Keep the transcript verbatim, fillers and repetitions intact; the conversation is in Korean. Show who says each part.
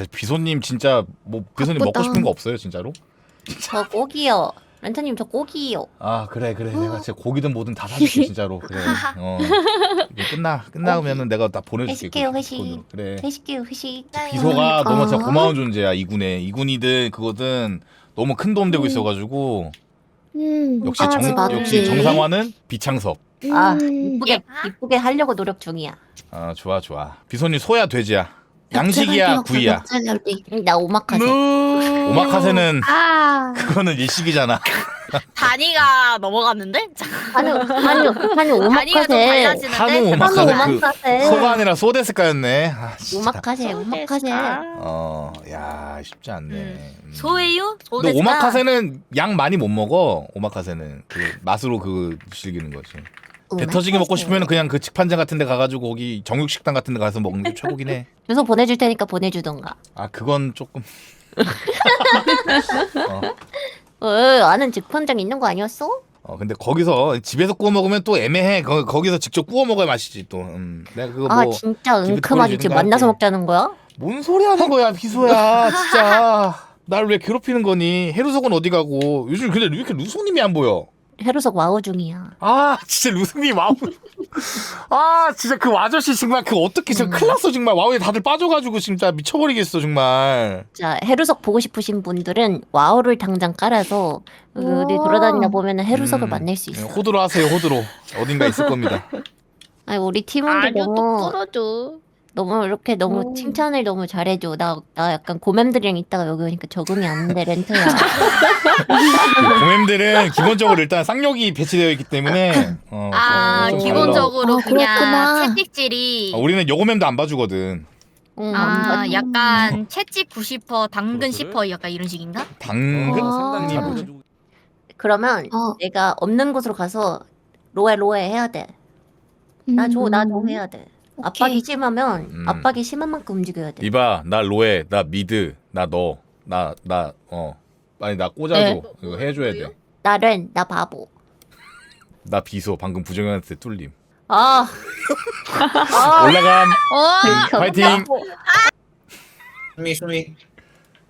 Speaker 1: 저 비소님 진짜 뭐 비소님
Speaker 2: 바쁘다.
Speaker 1: 먹고 싶은 거 없어요 진짜로?
Speaker 3: 저 꼭이요. 렌트님 저 꼭이요.
Speaker 1: 아 그래 그래 내가 진짜 고기든 뭐든 다 사줄게 진짜로. 그래. 어. 이거 끝나 끝나면은 내가 다 보내줄게.
Speaker 3: 회식해요,
Speaker 1: 그
Speaker 3: 회식.
Speaker 1: 돈으로. 그래.
Speaker 3: 회식해요 회식.
Speaker 1: 비소가
Speaker 2: 아.
Speaker 1: 너무 진짜 고마운 존재야. 이군에 이군이든 그거든 너무 큰 도움 되고
Speaker 2: 음.
Speaker 1: 있어가지고
Speaker 2: 음,
Speaker 1: 역시
Speaker 2: 맞지,
Speaker 1: 정
Speaker 2: 맞지.
Speaker 1: 역시 정상화는 비창섭.
Speaker 3: 아
Speaker 2: 음.
Speaker 3: 이쁘게 이쁘게 하려고 노력 중이야.
Speaker 1: 아 좋아 좋아. 비소님 소야 돼지야. 양식이야 구이야.
Speaker 3: 응, 나 오마카세.
Speaker 1: 오마카세는
Speaker 2: 아,
Speaker 1: 그거는 일식이잖아.
Speaker 4: 단위가 넘어갔는데?
Speaker 3: 아니 아니 아니
Speaker 4: 단위가 좀
Speaker 3: 오마카세.
Speaker 4: 달라지는데?
Speaker 1: 한우
Speaker 3: 한우
Speaker 1: 오마카세 그
Speaker 3: 오마카세.
Speaker 1: 소가 아니라 소데스카였네. 아, 진짜.
Speaker 3: 오마카세 오마카세.
Speaker 1: 어, 야 쉽지 않네.
Speaker 4: 음.
Speaker 1: 음.
Speaker 4: 소예요?
Speaker 1: 근데
Speaker 4: 소데스까?
Speaker 1: 오마카세는 양 많이 못 먹어. 오마카세는 그 맛으로 그 즐기는 거지. 배 터지게 먹고 싶으면 그냥 그 직판장 같은 데 가가지고 거기 정육식당 같은 데 가서 먹는 게 최고긴 해.
Speaker 3: 주소 보내줄 테니까 보내주던가.
Speaker 1: 아 그건 조금 어,
Speaker 3: 어 아는 직판장 있는 거 아니었어?
Speaker 1: 어 근데 거기서 집에서 구워 먹으면 또 애매해. 거, 거기서 직접 구워 먹어야 맛이지 또. 음. 내가 그거
Speaker 3: 아
Speaker 1: 뭐
Speaker 3: 진짜
Speaker 1: 집에
Speaker 3: 은큼하지
Speaker 1: 보내주는
Speaker 3: 지금
Speaker 1: 거
Speaker 3: 만나서
Speaker 1: 할게.
Speaker 3: 먹자는 거야?
Speaker 1: 뭔 소리 하는 거야 비소야 진짜. 날 왜 괴롭히는 거니? 해루석은 어디 가고? 요즘 근데 왜 이렇게 루송님이 안 보여?
Speaker 3: 해루석 와우 중이야.
Speaker 1: 아 진짜 루승님 와우. 아 진짜 그 아저씨 정말 그 어떻게 저 큰일 났어 정말. 와우에 다들 빠져가지고 진짜 미쳐버리겠어 정말.
Speaker 3: 자 해루석 보고 싶으신 분들은 와우를 당장 깔아서 어디
Speaker 2: 우와.
Speaker 3: 돌아다니다 보면은 해루석을
Speaker 1: 음,
Speaker 3: 만날 수 있어.
Speaker 1: 호두로 하세요 호두로. 어딘가 있을 겁니다.
Speaker 3: 아니 우리 팀원들
Speaker 4: 아주
Speaker 3: 너무
Speaker 4: 똑부러져.
Speaker 3: 너무 이렇게 너무
Speaker 2: 음.
Speaker 3: 칭찬을 너무 잘해줘. 나 나 약간 고맴들이랑 있다가 여기 오니까 적응이 안 돼 렌트야.
Speaker 1: 고맴들은 기본적으로 일단 쌍욕이 배치되어 있기 때문에 어,
Speaker 4: 아,
Speaker 1: 좀
Speaker 4: 기본적으로
Speaker 2: 아,
Speaker 4: 그냥
Speaker 2: 그렇구나.
Speaker 4: 채찍질이
Speaker 1: 달라. 어, 우리는 여고맴도 안 봐주거든.
Speaker 3: 응,
Speaker 4: 아,
Speaker 3: 안
Speaker 4: 약간 채찍 구십 퍼센트 당근 십 퍼센트 약간 이런 식인가?
Speaker 1: 당근?
Speaker 2: 아.
Speaker 1: 당근?
Speaker 3: 그러면
Speaker 2: 어.
Speaker 3: 내가 없는 곳으로 가서 로에 로에 해야 돼. 나 줘 나 줘 해야 돼. 압박이 심하면
Speaker 1: 음.
Speaker 3: 압박이 심한 만큼 움직여야 돼.
Speaker 1: 이봐 나 로에 나 미드 나 너 나 나 어 아니 나 꽂아줘.
Speaker 3: 네.
Speaker 1: 이거 해줘야 돼.
Speaker 3: 나는 나 바보.
Speaker 1: 나 비소 방금 부정현한테 뚫림.
Speaker 3: 아. 아.
Speaker 1: 올라감.
Speaker 4: 어!
Speaker 1: 파이팅.
Speaker 3: 바보.
Speaker 5: 수미 수미